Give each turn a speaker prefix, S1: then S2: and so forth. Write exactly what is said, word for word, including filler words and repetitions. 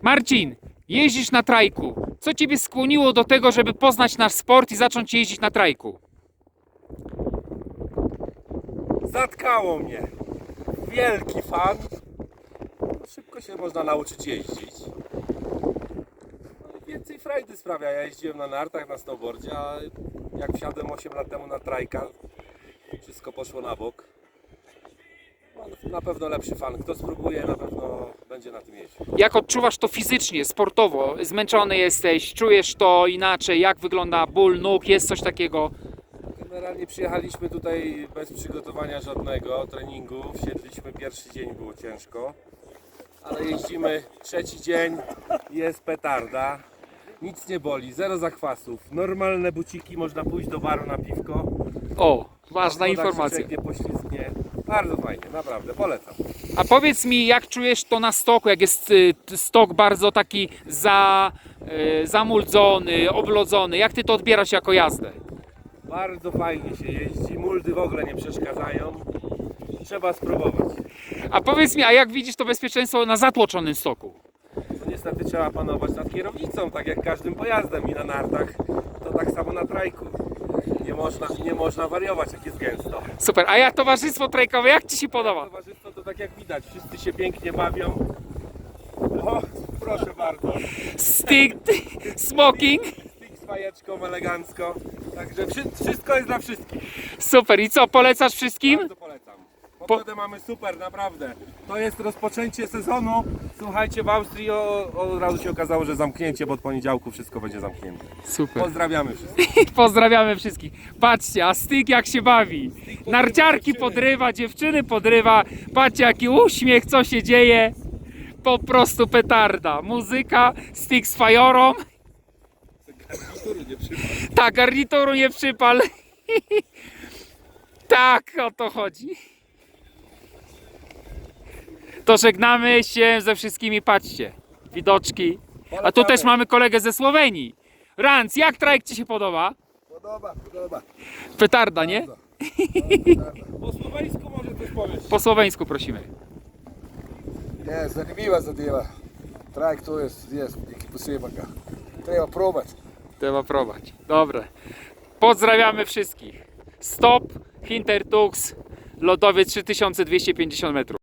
S1: Marcin, jeździsz na trajku. Co ciebie skłoniło do tego, żeby poznać nasz sport i zacząć jeździć na trajku?
S2: Zatkało mnie. Wielki fan. Szybko się można nauczyć jeździć. No i więcej frajdy sprawia. Ja jeździłem na nartach, na snowboardzie, a jak wsiadłem osiem lat temu na trajka, wszystko poszło na bok. No, na pewno lepszy fan. Kto spróbuje, na pewno będzie na tym jeździł.
S1: Jak odczuwasz to fizycznie, sportowo? Zmęczony jesteś, czujesz to inaczej? Jak wygląda ból nóg? Jest coś takiego?
S2: Generalnie przyjechaliśmy tutaj bez przygotowania żadnego treningu. Wsiedliśmy, pierwszy dzień było ciężko, ale jeździmy trzeci dzień, jest petarda, nic nie boli, zero zakwasów, normalne buciki, można pójść do baru na piwko.
S1: O, ważna
S2: Woda się
S1: informacja.
S2: czeknie, poślizgnie. Bardzo fajnie, naprawdę, polecam.
S1: A powiedz mi, jak czujesz to na stoku, jak jest y, t- stok bardzo taki za, y, zamuldzony, oblodzony, jak ty to odbierasz jako jazdę?
S2: Bardzo fajnie się jeździ, muldy w ogóle nie przeszkadzają, trzeba spróbować.
S1: A powiedz mi, a jak widzisz to bezpieczeństwo na zatłoczonym stoku?
S2: No niestety trzeba panować nad kierownicą, tak jak każdym pojazdem i na nartach, to tak samo na trajku. Nie można, nie można wariować, jak jest gęsto.
S1: Super, a jak towarzystwo trajkowe, jak ci się podoba?
S2: Towarzystwo to tak jak widać, wszyscy się pięknie bawią. O, proszę bardzo.
S1: Stick, smoking,
S2: Stick z fajeczką, elegancko. Także wszy- wszystko jest dla wszystkich.
S1: super. I co, polecasz wszystkim?
S2: Bardzo polecam. Pogodę mamy super, naprawdę. To jest rozpoczęcie sezonu. Słuchajcie, w Austrii o, od razu się okazało, że zamknięcie, bo od poniedziałku wszystko będzie zamknięte.
S1: Super.
S2: Pozdrawiamy wszystkich.
S1: Pozdrawiamy wszystkich. Patrzcie, a Stick jak się bawi. Narciarki podrywa, dziewczyny podrywa. Patrzcie jaki uśmiech, co się dzieje. Po prostu petarda. Muzyka, Stick z fajorą.
S2: Garnitury nie przypadł.
S1: Tak, garnituru nie przypal. Tak, o to chodzi. To żegnamy się ze wszystkimi, patrzcie. Widoczki. A tu też mamy kolegę ze Słowenii. Ranc, jak trajk ci się podoba?
S3: Podoba, podoba.
S1: Petarda, nie?
S2: Po słoweńsku może coś powiesz.
S1: Po słoweńsku prosimy.
S3: Je, zanimljiva zadeva. Trajek to jest, jest neki posebnega. Treba probati.
S1: Trzeba prowadzić. Dobre. Pozdrawiamy wszystkich. Stop, Hintertux, lodowiec trzy tysiące dwieście pięćdziesiąt metrów.